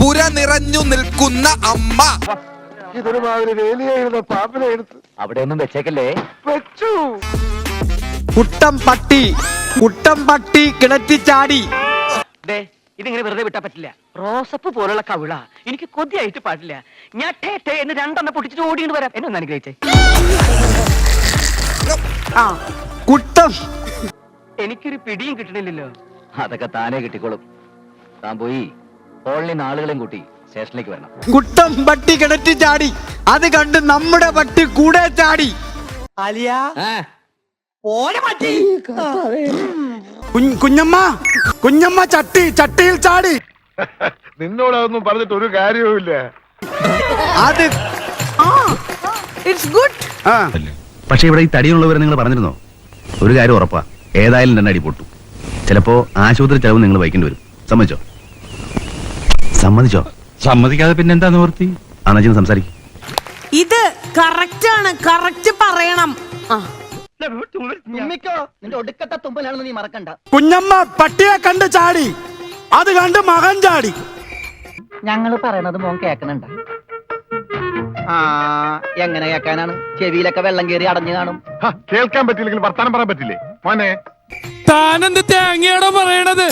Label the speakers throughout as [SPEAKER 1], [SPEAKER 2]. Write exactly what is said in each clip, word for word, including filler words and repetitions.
[SPEAKER 1] പുര നിറഞ്ഞു നിൽക്കുന്ന അമ്മ.
[SPEAKER 2] ഇതൊരു മാതിരി വേലിയായിരുന്ന പാമ്പിനെ എടുത്ത്
[SPEAKER 3] അവിടെ ഒന്നും വെച്ചേക്കല്ലേ.
[SPEAKER 2] വെച്ചു.
[SPEAKER 4] കുട്ടം പട്ടി കുട്ടം പട്ടി കിണറ്റി ചാടി.
[SPEAKER 3] ഇതിങ്ങനെ വെറുതെ വിട്ടാ പറ്റില്ല. റോസപ്പ് പോലുള്ള കവിള എനിക്ക് കൊതിയായിട്ട് പാടില്ല. ഞാൻ ടേ ടേ എന്ന് രണ്ടെണ്ണം പൊട്ടിച്ചിട്ട് ഓടിയിട്ട് വരാം. എന്നെ ഒന്ന് അനുഗ്രഹിച്ചേ.
[SPEAKER 4] ആ കുട്ടം.
[SPEAKER 3] എനിക്കൊരു പിടിയും കിട്ടണില്ലല്ലോ. അതൊക്കെ താനേ കിട്ടിക്കോളും. താൻ പോയി കോളനി ആളുകളെയും കൂട്ടി സ്റ്റേഷനിലേക്ക് വരണം.
[SPEAKER 4] കുട്ടം പട്ടി കിണറ്റി ചാടി. അത് കണ്ട് നമ്മുടെ പട്ടി കൂടെ ചാടി.
[SPEAKER 5] കുഞ്ഞമ്മ കുഞ്ഞമ്മ ചട്ടി ചട്ടിയിൽ ചാടി.
[SPEAKER 2] നിന്നോട് അതൊന്നും പറഞ്ഞിട്ട് ഒരു കാര്യവുമില്ല.
[SPEAKER 4] അത്
[SPEAKER 6] പക്ഷെ ഇവിടെ ഈ തടിയുള്ളവരെ നിങ്ങൾ പറഞ്ഞിരുന്നോ? ഒരു കാര്യം ഉറപ്പാ, ഏതായാലും രണ്ടടി പൊട്ടു. ചിലപ്പോ ആശുപത്രി ചെലവ് നിങ്ങൾ വഹിക്കേണ്ടി വരും. സമ്മതിച്ചോ? സമ്മതിച്ചോ?
[SPEAKER 7] സമ്മതിക്കാതെ പിന്നെ എന്താ നിവർത്തി?
[SPEAKER 6] അന്നച്ചിന് സംസാരിക്കും.
[SPEAKER 8] ഇത് കറക്റ്റ് ആണ്, കറക്റ്റ് പറയണം.
[SPEAKER 3] നിന്റെ ഒടുക്കത്തെ തുമ്പലാണെന്ന് നീ മറക്കണ്ട.
[SPEAKER 5] കുഞ്ഞമ്മ പട്ടിയെ കണ്ട് ചാടി. അത് കണ്ട് മകൻ ചാടി.
[SPEAKER 3] ഞങ്ങള് പറയണത് മോൻ കേക്കണുണ്ട? ആ എങ്ങനെ കേക്കാനാണ്? ചെവിയിലൊക്കെ വെള്ളം കയറി അടഞ്ഞു കാണും.
[SPEAKER 2] കേൾക്കാൻ പറ്റില്ലെങ്കിൽ വർത്താനം പറയാൻ പറ്റില്ലേ മോനെ?
[SPEAKER 7] താനെന്ത് തേങ്ങയാണോ പറയണത്?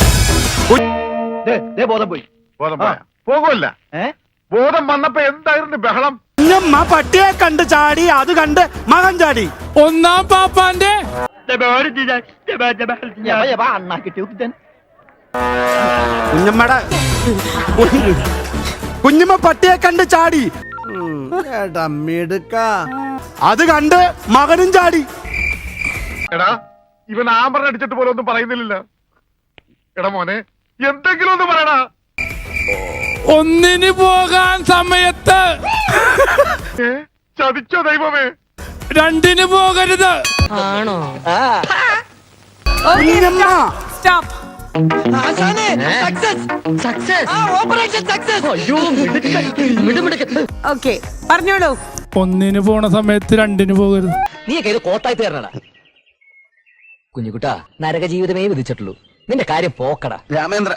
[SPEAKER 3] ബോധം പോയി.
[SPEAKER 2] ബോധം പോയാ പോകുമല്ല. ബോധം വന്നപ്പോ എന്തായിരുന്നു ബഹളം?
[SPEAKER 5] കുഞ്ഞമ്മ പട്ടിയെ കണ്ട് ചാടി. അത് കണ്ട് മകൻ ചാടി.
[SPEAKER 7] ഒന്നാം പാപ്പാന്റെ
[SPEAKER 5] കുഞ്ഞമ്മയുടെ കുഞ്ഞമ്മ പട്ടിയെ കണ്ട് ചാടി. അത് കണ്ട് മകനും ചാടി.
[SPEAKER 2] എടാ ഇവൻ ആമ്പറിനെ അടിച്ചിട്ട് പോലെ ഒന്നും പറയുന്നില്ലല്ലോ. എടാ മോനെ എന്തെങ്കിലും ഒന്ന് പറയടാ.
[SPEAKER 7] ഒന്നിന് പോകാൻ സമയത്ത്
[SPEAKER 2] ഏ? ചതിച്ചോ ദൈവമേ?
[SPEAKER 7] രണ്ടിന് പോകരുത്.
[SPEAKER 8] ആണോ?
[SPEAKER 5] കുഞ്ഞമ്മ
[SPEAKER 8] സ്റ്റോപ്പ്. ഓക്കെ പറഞ്ഞോളൂ.
[SPEAKER 7] ഒന്നിന് പോണ സമയത്ത് രണ്ടിന് പോകരുത്.
[SPEAKER 3] നീയൊക്കെ ഇത് കോട്ടായി തീർന്നടാ. കുഞ്ഞുകുട്ടാ, നരക ജീവിതമേ വിധിച്ചിട്ടുള്ളൂ. നിന്റെ കാര്യം പോക്കടാ.
[SPEAKER 6] രാമേന്ദ്ര